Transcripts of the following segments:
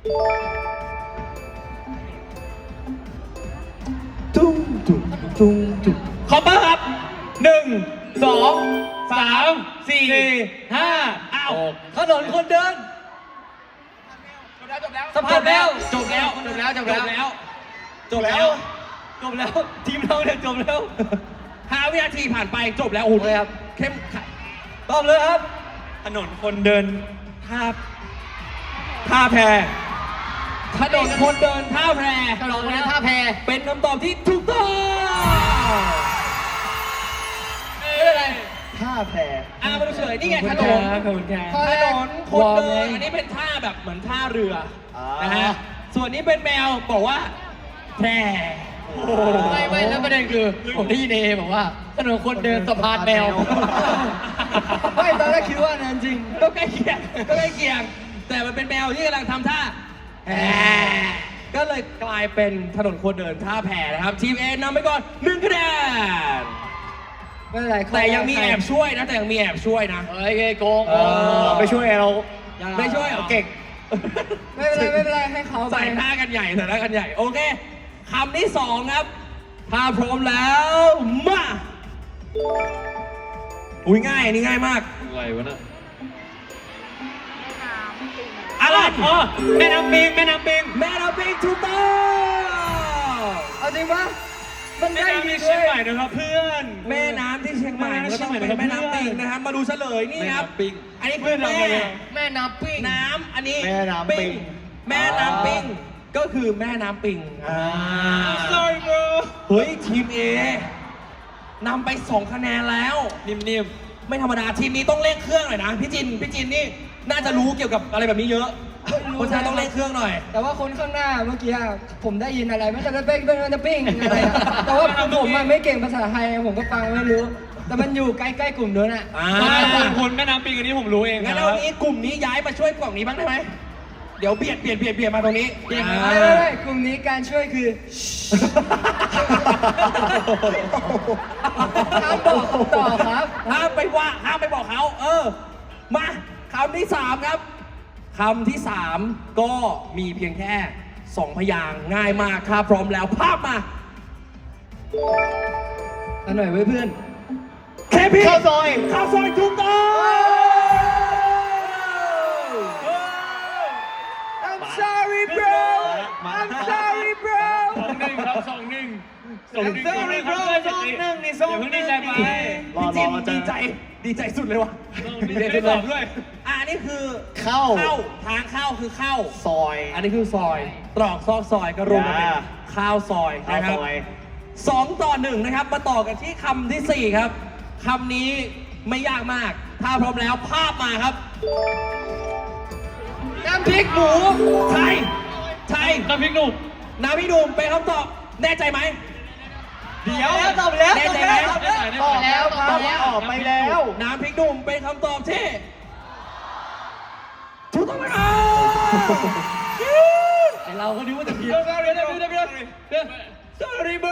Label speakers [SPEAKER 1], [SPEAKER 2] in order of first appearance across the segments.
[SPEAKER 1] ตุ้งตุ้งตุ้งตุ้งขอบคุณครับ1 2 3 4 5อ้าวถนนคนเดินสะพานแมวจบแล้วทีมเราเนี่ยจบแล้ว5 วินาทีผ่านไปจบแล้วโอ้โหครับเข้มขัดตอบเลยครับถนนคนเดินท่าแพถนนคนเดินท่าแพเป็นคำตอบที่ถูกต้องอะไร
[SPEAKER 2] ท่าแพ
[SPEAKER 1] มาดูเฉยนี่ไงถนนคนเดินอันนี้เป็นท่าแบบเหมือนท่าเรือนะฮะส่วนนี้เป็นแมวบอกว่าแพร่
[SPEAKER 3] ไม่แล้วประเด็นคือผมได้ยินเอบอกว่าถนนคนเดินสะพานแมว
[SPEAKER 2] ไม่ตอนแรกคิดว่านั่นจริง
[SPEAKER 1] ก็ใกล้เคียงแต่มันเป็นแมวที่กำลังทำท่าก็เลยกลายเป็นถนนคนเดินท่าแพนะครับทีมเอนำไปก่อน1 คะแนน
[SPEAKER 2] ไม่เป็นไร
[SPEAKER 1] แต่ยังมีแอบช่วยนะ
[SPEAKER 3] เฮ้ยโกง
[SPEAKER 2] ไปช่วยเรา
[SPEAKER 1] ไม่ช่วยเหรอ
[SPEAKER 2] เก่งไม่เป็นไรให้เขา
[SPEAKER 1] ใส่หน้ากันใหญ่โอเคคำที่2ครับถ้าพร้อมแล้วมาอุ้ยง่ายอันนี้ง่ายมาก
[SPEAKER 3] อะไรวะน่ะ
[SPEAKER 1] อะไรแม่น้ำปิงถูกต้อง
[SPEAKER 2] เอาจริงปะมันได้ดี
[SPEAKER 1] เชียงใหม่นะครับเพื่อนแม่น้ำที่เชียงใหม่ก็ต้องเป็นแม่น้ำปิงนะครับมาดูเฉลยนี่ครับอันนี้คือ
[SPEAKER 3] แม่น้ำปิง
[SPEAKER 1] อันนี้
[SPEAKER 2] แม่น้ำปิง
[SPEAKER 1] ก็คือแม่น้ำปิงsorry bro เฮ้ยทีม A นำไป2 คะแนนแล้วนิ่มไม่ธรรมดาทีมนี้ต้องเร่งเครื่องหน่อยนะพี่จินนี่น่าจะรู้เกี่ยวกับอะไรแบบนี้เยอะเพราะฉะนั้นต้องเร่งเครื่องหน่อย
[SPEAKER 2] แต่ว่าคนข้างหน้าเมื่อกี้ผมได้ยินอะไรมันจะปิ้งอะไรแต่ว่าผมไม่เก่งภาษาไทยผมก็ฟังไม่รู้แต่มันอยู่ใกล้ๆกลุ่มนู้นอ่ะ
[SPEAKER 1] คนแม่น้ำปิงอันนี้ผมรู้เองงั้นเอานี้กลุ่มนี้ย้ายมาช่วยกลุ่มนี้บ้างได้ไหมเดี๋ยวเบียดมาตรงนี้
[SPEAKER 2] ไม่กลุ่มนี้การช่วยคือห้ามบอกต่อครับ
[SPEAKER 1] ห้ามไปบอกเขามาคำที่3ครับคำที่3ก็มีเพียงแค่2 พยางค์ง่ายมากถ้าพร้อมแล้วภาพมา
[SPEAKER 2] อันหน่อยไว้เพื่อน
[SPEAKER 1] เคพีข้าวซอยถูกต้อง
[SPEAKER 2] I'm sorry bro
[SPEAKER 1] 2-1นี่พี่จินดีใจสุดเลยวะดีใจด้วยอันนี้คือ
[SPEAKER 2] เข้า
[SPEAKER 1] ทางเข้าคือเข้า
[SPEAKER 2] ซอย
[SPEAKER 1] อันนี้คือซอยตรอกซอกซอยก็รวมกันเป็นข้าวซอยนะครับ2-1นะครับมาต่อกันที่คำที่4ครับคำนี้ไม่ยากมากถ้าพร้อมแล้วภาพมาครับน้ำพริกหมูใช่น้ำพริกหนุ่มเป็นคำตอบแน่ใจไหม
[SPEAKER 2] เดี๋ยวตอบแล้ว
[SPEAKER 1] แน่ใจไหม
[SPEAKER 2] ตอบแล้วไปแล้ว
[SPEAKER 1] น้ำพริกหนุ่มเป็นคำตอบที่ถูกต้องไหมครับ
[SPEAKER 3] เราก็นึกว่าจะผิด
[SPEAKER 1] sorry bro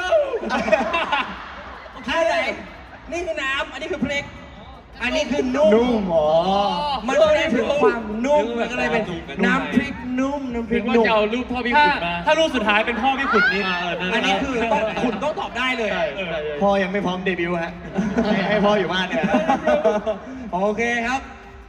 [SPEAKER 1] อะไรนี่คือน้ำอันนี้คือพริกอันนี้คือนุ่มมันแสดงถึงความนุ่มมันก็เลยเป็นน้ำพริกนุ่ม
[SPEAKER 3] ว่าจะเอารูปพ่อพี่ขุนมาถ้ารูปสุดท้ายเป็นพ่อพี่ขุนนี่
[SPEAKER 1] อันนี้คือขุนต้องตอบได้เลย
[SPEAKER 2] พ่อยังไม่พร้อมเดบิวต์ฮะให้พ่ออยู่บ้านเนี่ย
[SPEAKER 1] โอเคครับ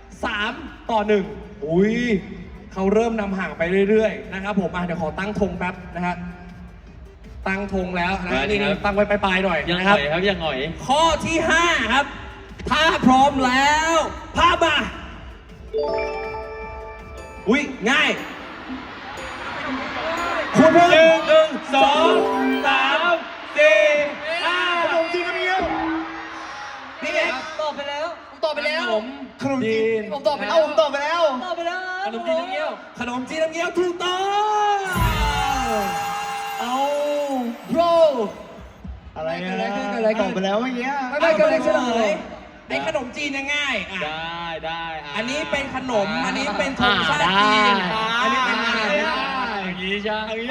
[SPEAKER 1] 3-1อุ้ยเขาเริ่มนำห่างไปเรื่อยๆนะครับผมเดี๋ยวขอตั้งธงแป๊บนะฮะตั้งธงแล้วนะนี่ตั้งไว้ปลายๆหน่อย
[SPEAKER 3] นะครับยังหน่อย
[SPEAKER 1] ข้อที่5ครับถ้าพร้อมแล้วภาพมาอุ้ยง่ายคุณ1 2 3 4 5ขนมจีนน้ำเงี้ยวนี่ไง
[SPEAKER 3] ตอบไปแล้ว
[SPEAKER 2] ขนมจีน
[SPEAKER 3] ผมตอบไปแล้ว
[SPEAKER 2] ผมตอบไปแล้ว
[SPEAKER 3] ขนมจีนน้ำเงี้
[SPEAKER 1] ยวถูกต้องเอา bro
[SPEAKER 2] อะไรตอบไปแล้วเมื่อกี้
[SPEAKER 1] ไม่เกิดอะไรเฉลยไอ้ขนมจีนง่าย
[SPEAKER 3] ได้
[SPEAKER 1] อันนี้เป็นขนมอันนี้เป็นธงชาติจีนอันนี้เป็น
[SPEAKER 3] อย่างนี้ใช่
[SPEAKER 2] ได้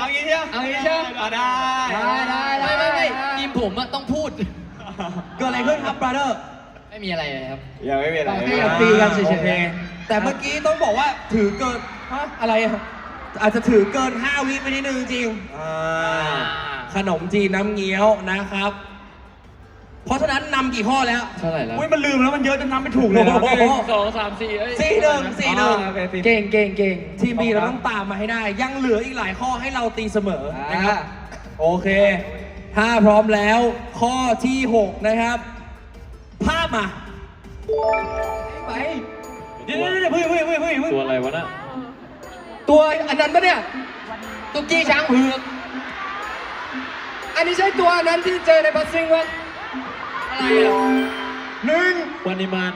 [SPEAKER 3] ไม่ทีมผมต้องพูด
[SPEAKER 1] เกิดอะไรขึ้นครับ brother
[SPEAKER 3] ไม่มีอะไรเลยครับ
[SPEAKER 2] ยังไม่มีอะไร
[SPEAKER 1] แค่ตีกันเฉยๆแต่เมื่อกี้ต้องบอกว่าถือเกินอะไรอาจจะถือเกิน 5 วิไปนิดนึงจริงขนมจีนน้ำเงี้ยวนะครับ เพราะฉะนั้นนำกี่ข้อแล้ว
[SPEAKER 3] เท่าไหร่แล้ว
[SPEAKER 4] อุ้ยมันลืมแล้วมันเยอะจนนับไม่ถูกเลยนะ
[SPEAKER 1] โอ้โห
[SPEAKER 3] 1 2 3 4
[SPEAKER 1] 4-1
[SPEAKER 2] เก่งเก่งเก่ง
[SPEAKER 1] ทีมบีเราต้องตามมาให้ได้ ยังเหลืออีกหลายข้อให้เราตีเสมอนะครับ โอเค ถ้าพร้อมแล้วข้อที่ 6 นะครับ ภาพมา
[SPEAKER 2] ไป
[SPEAKER 4] เดี๋ยวเฮ้ย
[SPEAKER 3] ตัวอะไรวะน่ะ
[SPEAKER 2] ตัวอันนั้นปะเนี่ย
[SPEAKER 3] ตุ๊กกี้ช้างเผือก
[SPEAKER 2] อันนี้ใช่ตัวอันนั้นที่เจอในบัสซิ่งวะ
[SPEAKER 3] อะไรอ่ะ
[SPEAKER 4] 1
[SPEAKER 3] วันนิมาน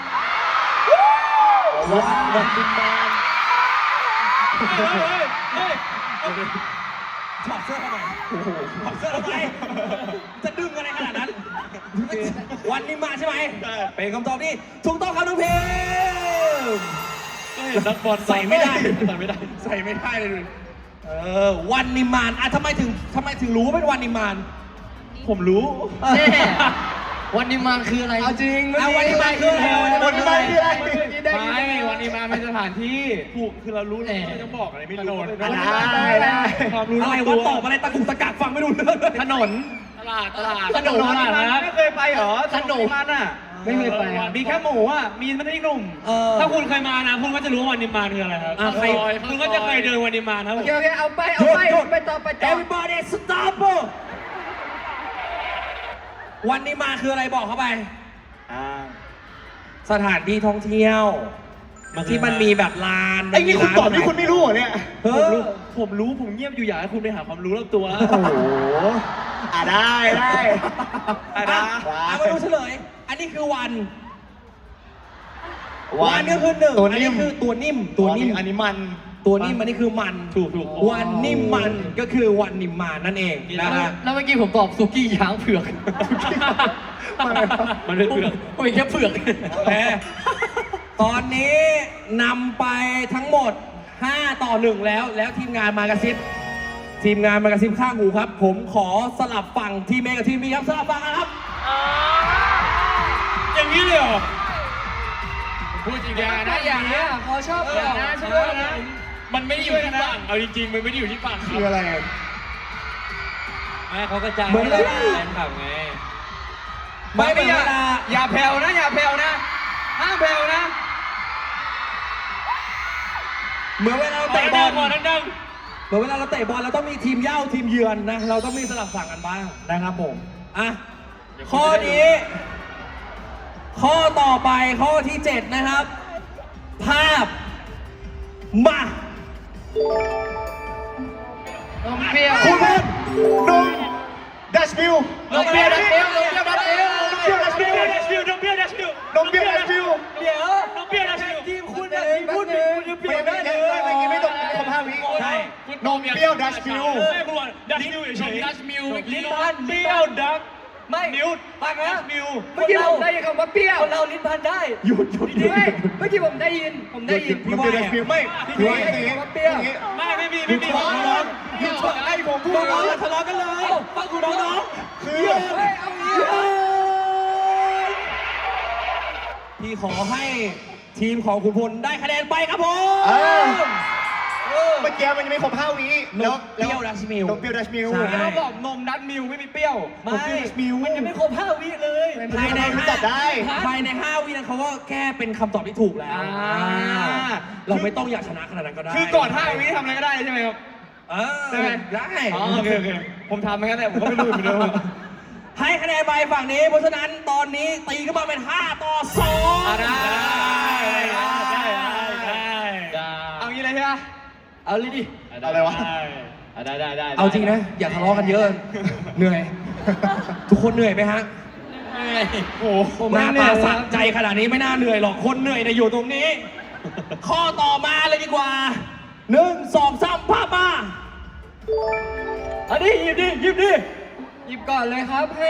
[SPEAKER 1] วันดินแดนถอดเสื้อทำไมถอดเสื้อทำไมจะดึงอะไรขนาดนั้น วันนี้มาใช่ไหมเป็นคำตอบที่ถูกต้องครับน้องเพม
[SPEAKER 3] ก็เห็นนักบอล
[SPEAKER 1] ใส่ไม่ได้
[SPEAKER 3] ใส่ไม่ได้
[SPEAKER 1] ใส่ไม่ได้เลยวันนิมานทำไมถึงรู้ว่าเป็นวันนิมาน
[SPEAKER 4] ผมรู้
[SPEAKER 3] แน่วันนิมานคืออะไร
[SPEAKER 2] เอาจริง
[SPEAKER 1] วันนิมานคืออะไร
[SPEAKER 2] วันนี้มาคืออะไร
[SPEAKER 3] ไม่วันนิมานเป็นสถานที่
[SPEAKER 4] ถูกคือเรารู้เลยไม่ต้องบอกอะไรไม่รู้
[SPEAKER 2] ได้
[SPEAKER 4] ความรู้
[SPEAKER 1] อะไรวะตอบอะไรตะกุกตะกักฟังไม่รู้เรื่องเลย
[SPEAKER 4] ถนน
[SPEAKER 3] ตลาด
[SPEAKER 4] ถนนไม่เคยไปเหรอ
[SPEAKER 3] ถนน
[SPEAKER 4] มันอ่ะ
[SPEAKER 2] ไม่เคยไปอะ
[SPEAKER 4] มีแค่หมูอ่ะมีมันไม่หนุ่ม
[SPEAKER 1] ถ้า
[SPEAKER 4] ถ้า
[SPEAKER 1] คุ
[SPEAKER 4] คุณ ณเคยมานะคุณก็จะรู้ว่าวันนิมานคืออะไรครับ
[SPEAKER 1] ใคร
[SPEAKER 4] คุณก็จะเคยเดินวันนิมานครับ
[SPEAKER 2] โอเคโอเคเอาไปไปต่อ
[SPEAKER 1] Everybody stop วันนี้มาคืออะไรบอกเข้าไป สถานที่ท่องเที่ยว ที่มันมีแบบลาน
[SPEAKER 4] ไอ้นี่คุณตอบที่คุณไม่รู้เหรอเนี่ย
[SPEAKER 1] ผมรู้
[SPEAKER 4] ผมเงียบอยู่อยากให้คุณไปหาความรู้รอบตัว
[SPEAKER 1] โอ้โห
[SPEAKER 4] ได้ได้
[SPEAKER 1] มาดูเฉลย อันนี้คือวันก็คือหนึ่ง
[SPEAKER 4] ตัว
[SPEAKER 1] อัน
[SPEAKER 4] นิ่
[SPEAKER 1] นี้
[SPEAKER 4] ม
[SPEAKER 1] คือตัวนิ่มตัวนิ่ม
[SPEAKER 4] อันนี้มัน
[SPEAKER 1] ตัวนิ่มอันนี้คือมัน
[SPEAKER 4] ถูก
[SPEAKER 1] วันนิ่มมันก็คือวันนิ่มมันนั่นเองนะฮะ
[SPEAKER 3] แล้วเมื่อกี้ผมตอบสุกี้ช้างเผือก มันเป็นเผือกผมเป็นแค่เผือก
[SPEAKER 1] โอเคตอนนี้นำไปทั้งหมด 5-1 แล้วทีมงานมากระซิบข้างหูครับ ผมขอสลับฝั่งทีมเอกับทีมบีครับสลับฝั่งกันครับ
[SPEAKER 4] อย่างนี้เลยเหรอ
[SPEAKER 3] พูดจริง
[SPEAKER 2] อย่า
[SPEAKER 3] ๆ
[SPEAKER 2] นะ
[SPEAKER 3] นะอย่
[SPEAKER 2] อา
[SPEAKER 3] ย่า
[SPEAKER 2] นะเขาชอบ
[SPEAKER 3] อย่านะช่วยนะมันไม่ได้อยู่ที่ฝั่งเอาจริงๆมันไม่ได้อยู่ที่ฝั่ง
[SPEAKER 4] คืออะไร
[SPEAKER 3] ไม่เขากระจาย
[SPEAKER 1] เหมือนเวลา
[SPEAKER 3] แฟนคลับไง
[SPEAKER 1] ไม่เหมือนเวลา
[SPEAKER 4] อย่าแผ่วนะอย่าแผ่วนะห้ามแผ่วนะ
[SPEAKER 1] เหมือนเวลาเราเตะบอล
[SPEAKER 4] ก่อนดัง
[SPEAKER 1] เหมือนเวลาเราเตะบอลเราต้องมีทีมเย่าทีมเยือนนะ เราต้องมีสลับฝั่งกันบ้างนะครับผมอ่ะข้อนี้ ข้อต่อไปข้อที่ 7 นะครับ ภาพมา
[SPEAKER 3] นมเปรี้ยว
[SPEAKER 4] คุณเป็นนมดัชมิล
[SPEAKER 3] นมเปรี้ยวดัชมิลนมเปรี้ยวดัชมิล
[SPEAKER 4] นมเปรี้ยวดัชมิลนมเปรี้ยวดัชมิลนมเปรี้ยวดัชมิล
[SPEAKER 2] เดี๋ยวน
[SPEAKER 4] มเปรี้ยวดัชมิล
[SPEAKER 2] ทีมคุณนะทีมพูดถึงคุณจะเปลี่ยนได้เลย
[SPEAKER 4] เมื่อกี้ไม่ตรงคำ5 วิ
[SPEAKER 1] ใช่
[SPEAKER 4] นมเปรี้ยวดัชมิลไม่คุณดัชมิลเฉย
[SPEAKER 3] ดัชมิล
[SPEAKER 4] ลิ้นพันเปรี้ยวดัช
[SPEAKER 2] ไม่
[SPEAKER 4] มิล
[SPEAKER 2] ฟังนะ
[SPEAKER 4] มิล
[SPEAKER 2] เมื่อกี้ผมได้ยินคำว่าเปรี้ยวคนเราลิ้นพันได้
[SPEAKER 1] หยุด
[SPEAKER 2] ไม่เมื่อกี้ผมได้ยิน
[SPEAKER 4] นมเปรี้ยวดัชมิลไม่
[SPEAKER 2] พี่ว่าคำว่าเปรี้ยว
[SPEAKER 4] ไม่มีหยุดให้ผมพูด
[SPEAKER 1] น้องๆอย่าทะเลาะกันเลยฟังคุณน้อง
[SPEAKER 4] คือ
[SPEAKER 2] เฮ้ยเอางี้
[SPEAKER 1] ๆพี่ขอให้ทีมของคุณพลได้คะแนนไปครับผม
[SPEAKER 4] เมื่อกี้มันยังไม่ครบ5 วิ
[SPEAKER 1] นมเปรี้ยวดัชมิล
[SPEAKER 4] นมเปรี้ยวดัชมิล
[SPEAKER 1] ใช่
[SPEAKER 4] แล้วบอกนมดัชมิลไม่มีเปรี้ยว
[SPEAKER 1] ไม่
[SPEAKER 4] นเปรี้ยวดัชมิล
[SPEAKER 2] มันยังไม่ครบ5 วิเลย
[SPEAKER 1] ภายใน
[SPEAKER 4] ตอบได้
[SPEAKER 1] ภายใน 5 วินั้นเขาก็แก้เป็นคำตอบที่ถูกแล้วเราไม่ต้องอยากชนะขนาดนั้นก็ได้
[SPEAKER 4] คือก่อน5 วิทำอะไรก็ได้ใช่ไหมครับ
[SPEAKER 1] ใช่ไหมได้
[SPEAKER 4] โอเคผมทำมางั้นแหละผมก็ไม่รู้เหมือนเดิม
[SPEAKER 1] ให้คะแนนไปฝั่งนี้ เพราะฉะนั้นตอนนี้ตีขึ้นมาเป็น 5-2
[SPEAKER 4] ได้ เอางี้เลยใช่ไหม
[SPEAKER 2] เอาเลยดิ
[SPEAKER 4] อะไรวะ
[SPEAKER 3] ได้
[SPEAKER 1] เอาจริงนะ อย่าทะเลาะกันเยอะ เหนื่อย ทุกคนเหนื่อยไหมฮะ
[SPEAKER 4] โอ้โห
[SPEAKER 1] หน้าตาสะใจขนาดนี้ไม่น่าเหนื่อยหรอก คนเหนื่อยนะอยู่ตรงนี้ ข้อต่อมาเลยดีกว่า 1 2 3ภาพมา
[SPEAKER 2] อันนี้หยิบดิหยิบก่อนเลยครับให้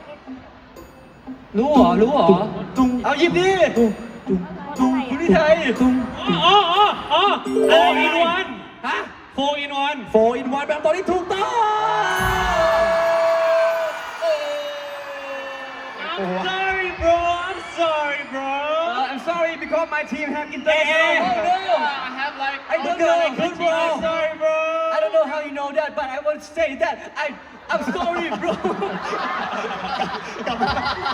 [SPEAKER 2] รู้เหรอ
[SPEAKER 1] ตุ้ง
[SPEAKER 4] เอาหยิบดิ
[SPEAKER 1] ตุ้งตุ้ง
[SPEAKER 4] คุณนิชัย
[SPEAKER 1] ตุ้ง
[SPEAKER 4] อ๋อ4 in 1
[SPEAKER 1] ฮะ
[SPEAKER 4] 4 in 1
[SPEAKER 1] 4 in 1แบบตอนนี้ถูกต้อง
[SPEAKER 4] I'm sorry bro I'm sorry bro I'm sorry because my team have international
[SPEAKER 3] I have like
[SPEAKER 1] I don't know.
[SPEAKER 4] I'm sorry
[SPEAKER 2] but I want to say that I'm sorry bro
[SPEAKER 4] กลับมา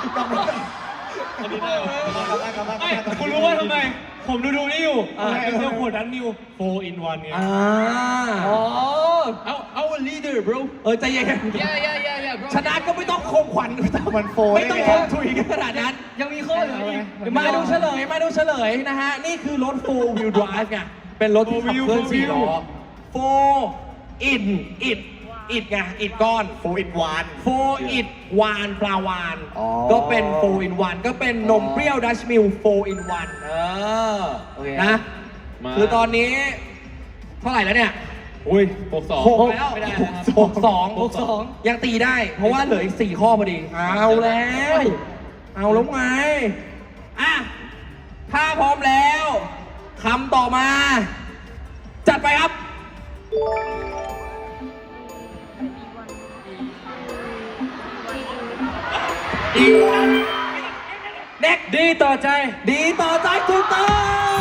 [SPEAKER 4] ไม่คุณรู้ว่าทำไม ผมดูนี่อยู่เจ้าขวดนั้นนิว4 in 1ไง
[SPEAKER 2] อ๋อ
[SPEAKER 4] our leader bro
[SPEAKER 1] ใจเย็น
[SPEAKER 3] yeah bro
[SPEAKER 1] ชนะก็ไม่ต้องคมขวัญไม่ต้อง
[SPEAKER 4] มันโฟ
[SPEAKER 1] ไม่ต้องคมถุยกันขนาดนั้น
[SPEAKER 2] ยังมีข้อเหลืออีก
[SPEAKER 1] มาดูเฉลยนะฮะ นี่คือรถ 4 wheel drive ไงเป็นรถที่ขับเคลื่อน4 ล้อ 4 in it ไง it ก้อน
[SPEAKER 4] 4 in 1
[SPEAKER 1] 4 it วานปลาวาน ก็เป็น 4 in 1 ก็เป็นนมเปรี้ยวดัชมิล4 in 1 นะ คือตอนนี้เท่าไหร่แล้วเนี่ย
[SPEAKER 4] อุ้ย
[SPEAKER 1] 6 แล้ว
[SPEAKER 3] ไม่ได้แล้วครับ
[SPEAKER 1] 62 ยังตีได้ เพราะว่าเหลืออีก 4 ข้อพอดี เอาแล้วไง อ่ะ ถ้าพร้อมแล้วคำต่อมา จัดไปครับ เด็ก
[SPEAKER 2] ดีต่อใจ
[SPEAKER 1] ดีต่อใจถูกต้อง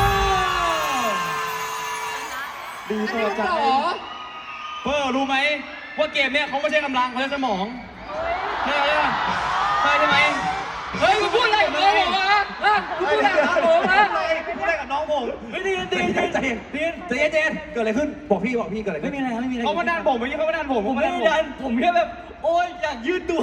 [SPEAKER 4] ดีต่อใจเปอร์รู้ไหมว่าเกมเนี้ยเขาไม่ใช่กำลังเขาใช้สมองใช่ไหม
[SPEAKER 2] เฮ้ยคุณพูดอะไรกับน้องผมอะคุณพูดอะไรกับน้องผมอะ
[SPEAKER 4] พูดอะไรกับน้องผม
[SPEAKER 1] ใจเย็นเกิดอะไรขึ้น บอกพี่เกิดอะไรขึ้น
[SPEAKER 2] ไม่มีอะไร
[SPEAKER 4] เขามาดันผมเมื่อกี้เขามาดันผม
[SPEAKER 2] ผมไม่ได้ดันผมแค่แบบโอ๊ยอยากยืดตัว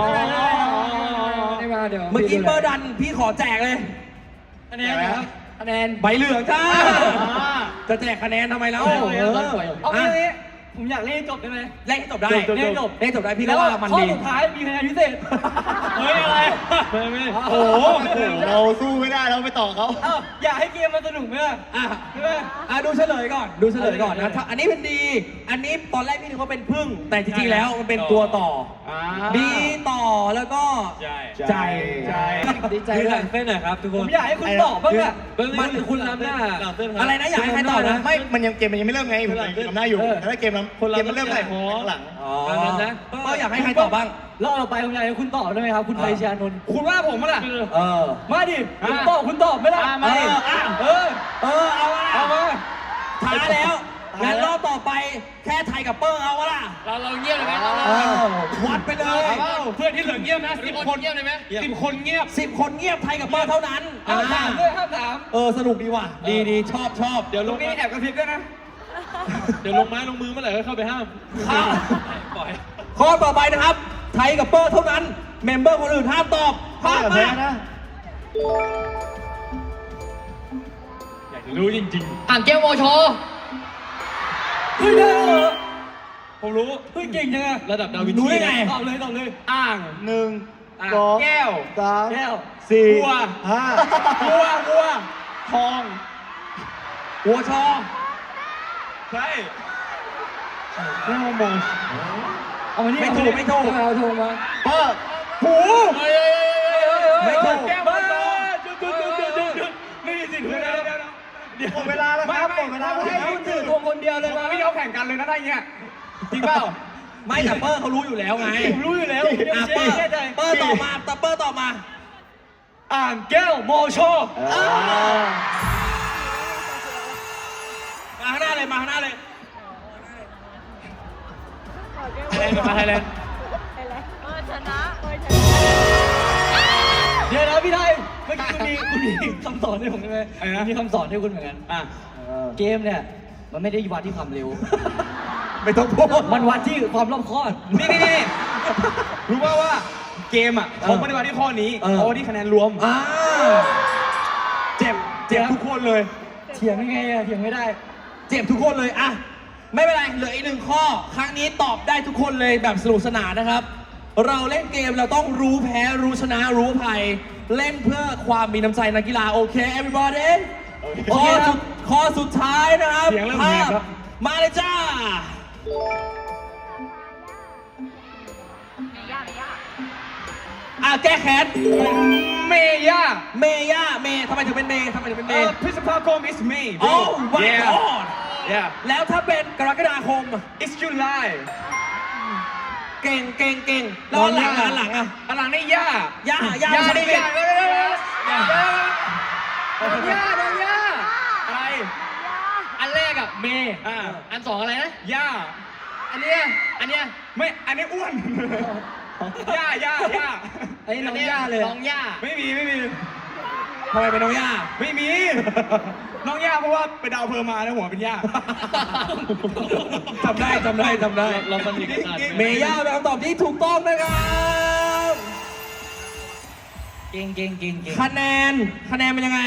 [SPEAKER 2] ได้มาเดี๋ยว
[SPEAKER 1] เมื่อกี้เบอร์ดันพี่ขอแจกเลย
[SPEAKER 2] คะแนนนะครับคะแนน
[SPEAKER 1] ใบเหลืองจ้า จะแจกคะแนนทำไมแล้ว
[SPEAKER 2] เอางี้ผมอยากเล่นจบได้ไหม
[SPEAKER 1] เล่นให้จบได้
[SPEAKER 2] เล่นจบ
[SPEAKER 1] พี่ก็ว่ามัน
[SPEAKER 2] ข้อ
[SPEAKER 1] ดี
[SPEAKER 2] สุดท้ายมีคะแนนพิเศษ
[SPEAKER 4] เฮ้ยอะไรไม่โอ้โหเราสู้ไม่ได้เราไปต่อเขา
[SPEAKER 2] อยากให้เกมมันสนุกไหมล่ะ
[SPEAKER 1] อ่ะ
[SPEAKER 2] ใช่ไหม
[SPEAKER 1] ดูเฉลยก่อนนะถ้าอันนี้เป็นดี อันนี้ตอนแรกพี่นึกว่าเป็นพึ่ง แต่จริงๆแล้วมันเป็นตัวต่อ ดีต่อแล้วก็ ใจ
[SPEAKER 2] ดีใจ
[SPEAKER 3] คือ
[SPEAKER 2] เล
[SPEAKER 3] หลั
[SPEAKER 2] ย
[SPEAKER 3] งเส้นหน่อยครับทุกค
[SPEAKER 2] ผ
[SPEAKER 3] น
[SPEAKER 2] มอยากให้คุณตอบบ้างอะ
[SPEAKER 3] มันคุณล้ำหน้า
[SPEAKER 1] อะไรนะอยากให้ใครตอบนะ
[SPEAKER 4] ไม่มันยังเกมมันยังไม่เริ่มไงผมทำหน้าอยู่ถ้าเกมมันเริ่มไหนหลัง
[SPEAKER 1] นะก็อยากให้ใครตอบบ้าง
[SPEAKER 2] รอบต่อไปผมอยากให้คุณตอบได้ไหมครับ คุณไทยชานนท์
[SPEAKER 4] คุณว่าผมมั้งล่ะ
[SPEAKER 2] มาดิคุณตอบไม่ล่ะ
[SPEAKER 1] มาดิ เอาละ
[SPEAKER 2] เอามา
[SPEAKER 1] ท้าแล้วงั้นรอบต่อไปแค่ไทยกับเปอร์เอาวะล่ะ
[SPEAKER 3] เราเงียบเลยไหม
[SPEAKER 1] วัดไปเลย
[SPEAKER 4] เพื่อนที่เหลือเงียบนะ
[SPEAKER 3] 10 คนเงียบเลยไหม
[SPEAKER 4] 10 คนเงียบ
[SPEAKER 1] 10 คนเงียบไทยกับเปอร์เท่านั้น
[SPEAKER 2] ห้ามถามด้วยห้ามถาม
[SPEAKER 1] สนุกดีว่ะ ดีชอบ
[SPEAKER 4] เดี๋ยว
[SPEAKER 2] ต
[SPEAKER 4] ล
[SPEAKER 2] รง งนี้
[SPEAKER 4] มา
[SPEAKER 2] แอบกระพริบด้วยนะ
[SPEAKER 4] เดี๋ยวลงไม้ลงมือเมื่อไหร่ก็เข้าไปห้าม
[SPEAKER 3] ปล่อย
[SPEAKER 1] ข้อต่อไปนะครับ ไทยกับเปอร์เท่านั้น เมมเบอร์คนอื่นห้ามตอบห้ามมา
[SPEAKER 4] อยากจะรู้จริง
[SPEAKER 3] อ่างแก้วโมโช
[SPEAKER 2] เฮ้ยได้เหรอ
[SPEAKER 4] ๆ ผมรู้
[SPEAKER 2] เฮ้ยเก่งจังอะ
[SPEAKER 4] ระดับดาวิน
[SPEAKER 1] รู้
[SPEAKER 4] ชี
[SPEAKER 1] ได้ไง
[SPEAKER 2] ตอบเลย
[SPEAKER 4] อ่าง 1 2
[SPEAKER 2] แก้ว
[SPEAKER 4] 3
[SPEAKER 2] แก้ว
[SPEAKER 4] 4 วัว ทอง
[SPEAKER 1] หัวชอ
[SPEAKER 4] ใช่ไม่มอง
[SPEAKER 2] เอามานี่
[SPEAKER 1] ไม่ถูก
[SPEAKER 2] เอาโทรมา
[SPEAKER 4] เปอร์หู
[SPEAKER 1] ไม่ถูก
[SPEAKER 4] แก้วมาต่อจุดไม่มีสิทธิ์เลยเดี๋ยวหมดเวลาแล้วครับหมดเวลา
[SPEAKER 2] ให้คุณถือธงคนเดียวเลยนะ
[SPEAKER 4] ไม่ยอมแข่งกันเลยนะได้เงี้ยจริงเปล่า
[SPEAKER 1] ไม่แต่เปอร์เขารู้อยู่แล้วไง
[SPEAKER 2] ผมรู้อยู่แล้ว
[SPEAKER 1] อ่ะเปอร์ตอบมาแต่เปอร์ตอบมา
[SPEAKER 2] อ่างแก้วโมโช
[SPEAKER 1] มาข้างหน้าเลยมาไทยแลนด์
[SPEAKER 5] ชนะ
[SPEAKER 2] เดี๋ยวนะพี่ไทยเมื่อกี้คุณมีคำสอนให้ผมใช่ไหมมีคำสอนให้คุณเหมือนกันเกมเนี่ยมันไม่ได้วัดที่ความเร็ว
[SPEAKER 1] ไม่ต้องพูด
[SPEAKER 2] มันวัดที่ความรอบคอบ
[SPEAKER 4] นี่รู้ป่าวว่าเกมอ่ะเขาไม่ได้วัดที่ข้อนี้เขาวัดที่คะแนนรวมเจ็บทุกคนเลย
[SPEAKER 2] เถียงยังไงอะเถียงไม่ได้
[SPEAKER 1] เจ็บทุกคนเลยอ่ะไม่เป็นไรเหลืออีก1 ข้อ ครั้งนี้ตอบได้ทุกคนเลยแบบสนุกสนานนะครับ เราเล่นเกมเราต้องรู้แพ้รู้ชนะรู้อภัย เล่นเพื่อความมีน้ำใจนักกีฬาโอเค everybody ข้อสุดท้ายนะครับ
[SPEAKER 4] เสียงเริ่มแหบแล้ว
[SPEAKER 1] มาเลยจ้า แก้แค้น
[SPEAKER 4] เมย่า
[SPEAKER 1] เมทำไมถึงเป็นเมทำไมถึงเป็นเม
[SPEAKER 4] พฤษภาคม is May
[SPEAKER 1] โอ้ my god
[SPEAKER 4] yeah
[SPEAKER 1] แล้วถ้าเป็นกรกฎาคม
[SPEAKER 4] it's July
[SPEAKER 1] เก่งแล้วอันหลังอ่ะ
[SPEAKER 4] หลังนี่ย่า
[SPEAKER 1] ย่า
[SPEAKER 4] นี่ย่า
[SPEAKER 2] โดนย่า
[SPEAKER 4] อะไร
[SPEAKER 3] อันแรกอะเมย์อันสองอะไรนะ
[SPEAKER 4] ย่า
[SPEAKER 3] อันเนี้ยอันเนี้ย
[SPEAKER 4] ไม่ อันนี้อ้วน ย่า
[SPEAKER 2] ไอ้น้องย่าเลย
[SPEAKER 3] น้องย่า
[SPEAKER 4] ไม่มี
[SPEAKER 1] ทำไมเป็นน้องย่า
[SPEAKER 4] ไม่มี น้องย่าเพราะว่าไปดาวเพอร์มาแล้วหัวเป็นย่า
[SPEAKER 1] จำได้
[SPEAKER 3] เราสนิทกัน
[SPEAKER 1] เมย่าเป็นคำตอบที่ถูกต้องนะครับ
[SPEAKER 3] เก่ง
[SPEAKER 1] คะแนนเป็นยังไง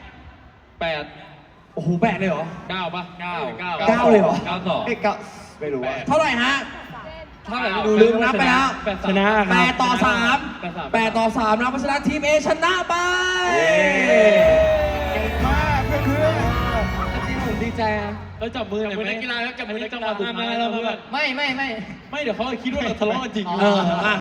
[SPEAKER 3] 8
[SPEAKER 1] โอ้โห8เลยเหรอ
[SPEAKER 3] 9ป่ะ9
[SPEAKER 1] 9เลยเหรอ
[SPEAKER 3] 9
[SPEAKER 4] เอ๊ะก็ไม่รู้ว่า
[SPEAKER 1] เท่าไหร่ฮะ
[SPEAKER 3] เท่าไหร่
[SPEAKER 1] ลืมนับไปแล้ว
[SPEAKER 4] ชนะครับ
[SPEAKER 1] 8 ต่อ 3 8 ต่อ 3นะเพราะฉะนั้นทีม A ชนะไป
[SPEAKER 4] เก่งมากเพื่อน
[SPEAKER 2] จริงๆผมดีใจนะ
[SPEAKER 3] แล้วจับมือหน่อยไหมนักกีฬาแล้วจับมือนักกีฬาไม่เดี๋ยวเขาคิดว่าเราทะเลาะกันจริง
[SPEAKER 1] เออ